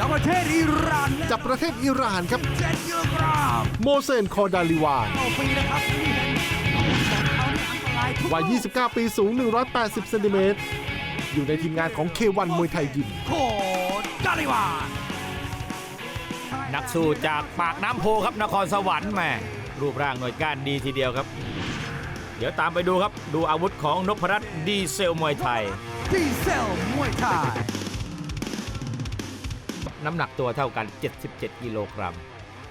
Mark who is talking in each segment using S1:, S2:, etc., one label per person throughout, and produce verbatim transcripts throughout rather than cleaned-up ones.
S1: จากประเทศอิหร่าน
S2: จากประเทศอิหร่านครับ
S1: เจ็ดกิโลกรัม
S2: โมเซน คอดาลิวาน
S1: ต่อปีนะครับนี่เห็นเขาเนี่ยอันตรายทุก
S2: วัย ยี่สิบเก้า ปีสูง หนึ่งร้อยแปดสิบ เซนติเมตร อยู่ในทีมงานของ เค วัน มวยไทยยิม
S1: โคดาลิวาน
S3: นักสู้จากปากน้ำโพครับนครสวรรค์แหม่รูปร่างหน่วยก้านดีทีเดียวครับ เดี๋ยวตามไปดูครับดูอาวุธของนพรัตน์ดีเซลมวยไทย
S1: ดีเซลมวยไทย
S3: น้ำหนักตัวเท่ากันเจ็ดสิบเจ็ดกิโลกรัม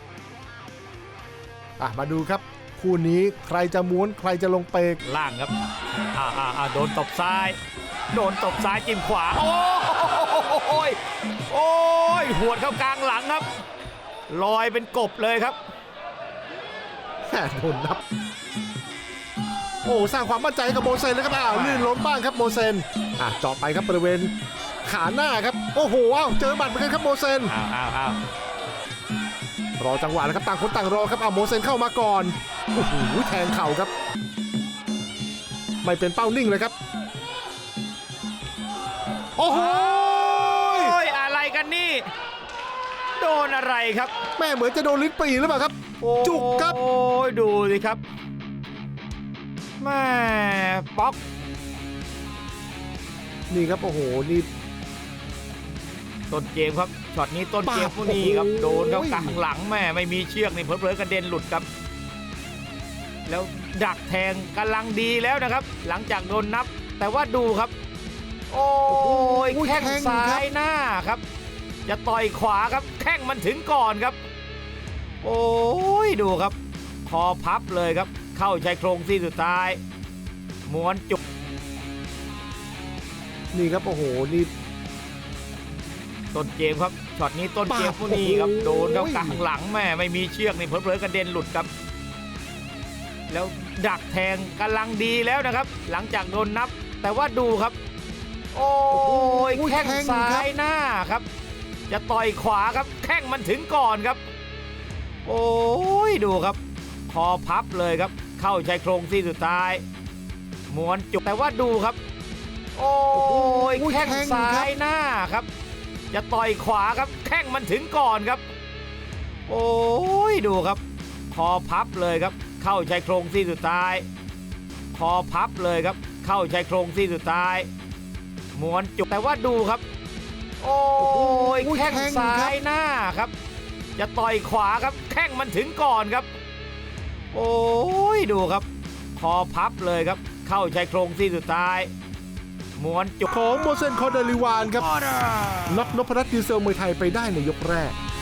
S2: อ่ะมาดูครับ คู่นี้ใครจะม้วนใครจะลงเปก
S3: ล่างครับอ่าอ่าอ่าโดนตบซ้าย โดนตบซ้ายจิ้มขวา โอ้ยโอ้ยหวดเข้ากลางหลังครับลอยเป็นกบเลยครับ
S2: แหม่โดนนับ โอ้สร้างความมั่นใจกับโมเซนเลยครับอ้าวลื่นล้มบ้างครับโมเซนอ่ะเจาะไปครับบริเวณขาหน้าครับโอ้โหอ้าวเจอหมัดเหมือนกันครับโมเซน
S3: อ้าวอ้าวอ้าว
S2: รอจังหวะแล้วครับต่างคนต่างรอครับอ้าวโมเซนเข้ามาก่อนโอ้โหแทงเข่าครับไม่เป็นเป้านิ่งเลยครับโอ้โห
S3: โอ้ยอะไรกันนี่โดนอะไรครับ
S2: แม่เหมือนจะโดนลิ้นปี่หรือเปล่าครับจุกครับ
S3: โอ้ยดูสิครับแม่ป๊อก
S2: นี่ครับโอ้โหนี่
S3: ต้นเกมครับช็อตนี้ต้นเกม
S2: ปาด
S3: พวกนี้ครับ
S2: โอ้โห
S3: โดนเข้ากลางหลังแม่ไม่มีเชือกนี่เผลอๆกระเด็นหลุดครับ แล้วดักแทงกำลังดีแล้วนะครับ หลังจากโดนนับ แต่ว่าดูครับ โอ้ยแข้งซ้ายหน้าครับ จะต่อยขวาครับแข้งมันถึงก่อนครับ โอ้ยดูครับคอพับเลยครับ เข้าชายโครงซี่สุดท้ายม้วนจุก
S2: นี่ครับโอ้โหนี่
S3: ต้นเกมครับช็อตนี้ต้นเกมพวกนี้ครับ
S2: โอ้โห
S3: โดนเข้ากลางหลังแม่ไม่มีเชือกนี่เผลอๆกระเด็นหลุดครับ แล้วดักแทงกำลังดีแล้วนะครับ หลังจากโดนนับ แต่ว่าดูครับ โอ้ยแข้งซ้ายหน้าครับ จะต่อยขวาครับแข้งมันถึงก่อนครับ โอ้ยดูครับคอพับเลยครับ เข้าชายโครงซี่สุดท้ายม้วนจุกแต่ว่าดูครับ โอ้ยแข้งซ้ายหน้าครับ จะต่อยขวาครับแข้งมันถึงก่อนครับ โอ้ยดูครับคอพับเลยครับ เข้าชายโครงซี่สุดท้ายคอพับเลยครับ เข้าชายโครงซี่สุดท้ายม้วนจุกแต่ว่าดูครับ โอ้ยแข้งซ้ายหน้าครับ จะต่อยขวาครับแข้งมันถึงก่อนครับ โอ้ยดูครับคอพับเลยครับ เข้าชายโครงซี่สุดท้ายม้วนจุก
S2: ของโมเซน คอดาลิวานครับ
S1: ออเดอร์
S2: น็อกนพรัตน์ดีเซลมวยไทยไปได้ในยกแรก